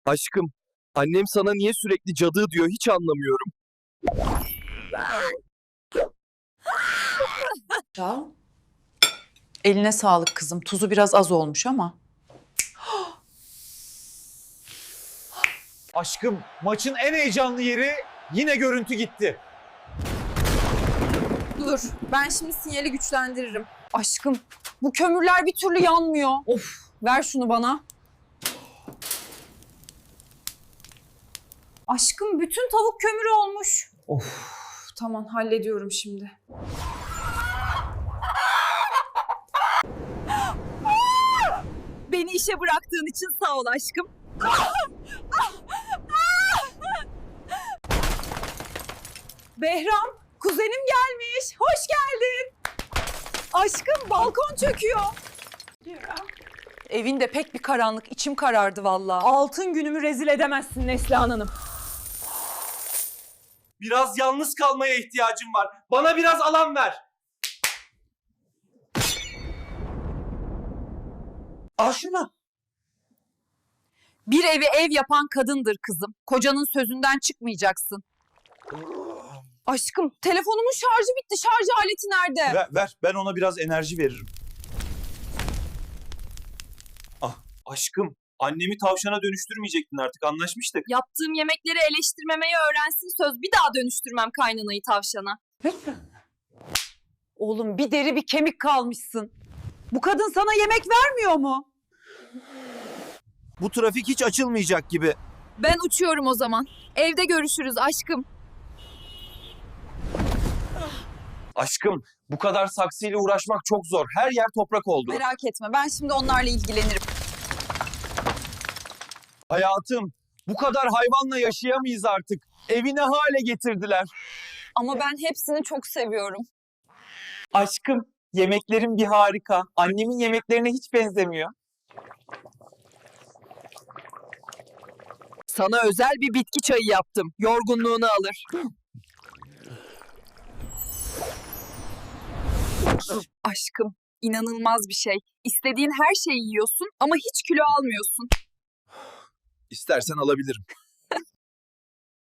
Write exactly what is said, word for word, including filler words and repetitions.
Aşkım, annem sana niye sürekli cadı diyor hiç anlamıyorum. Ya. Eline sağlık kızım. Tuzu biraz az olmuş ama. Aşkım, maçın en heyecanlı yeri yine görüntü gitti. Dur, ben şimdi sinyali güçlendiririm. Aşkım, bu kömürler bir türlü yanmıyor. Of, ver şunu bana. Aşkım, bütün tavuk kömürü olmuş. Of. Tamam, hallediyorum şimdi. Beni işe bıraktığın için sağ ol aşkım. Behram, kuzenim gelmiş. Hoş geldin. Aşkım, balkon çöküyor. Evin de pek bir karanlık. İçim karardı vallahi. Altın günümü rezil edemezsin Neslihan Hanım. Biraz yalnız kalmaya ihtiyacım var. Bana biraz alan ver. Al şunu. Bir evi ev yapan kadındır kızım. Kocanın sözünden çıkmayacaksın. Aşkım, telefonumun şarjı bitti. Şarj aleti nerede? Ver, ver. Ben ona biraz enerji veririm. Aşkım, annemi tavşana dönüştürmeyecektin artık, anlaşmıştık. Yaptığım yemekleri eleştirmemeyi öğrensin söz. Bir daha dönüştürmem kaynanayı tavşana. Oğlum bir deri bir kemik kalmışsın. Bu kadın sana yemek vermiyor mu? Bu trafik hiç açılmayacak gibi. Ben uçuyorum o zaman. Evde görüşürüz aşkım. Aşkım, bu kadar saksıyla uğraşmak çok zor. Her yer toprak oldu. Merak etme, ben şimdi onlarla ilgilenirim. Hayatım, bu kadar hayvanla yaşayamayız artık. Evi ne hale getirdiler. Ama ben hepsini çok seviyorum. Aşkım, yemeklerin bir harika. Annemin yemeklerine hiç benzemiyor. Sana özel bir bitki çayı yaptım. Yorgunluğunu alır. Aşkım, inanılmaz bir şey. İstediğin her şeyi yiyorsun ama hiç kilo almıyorsun. İstersen alabilirim.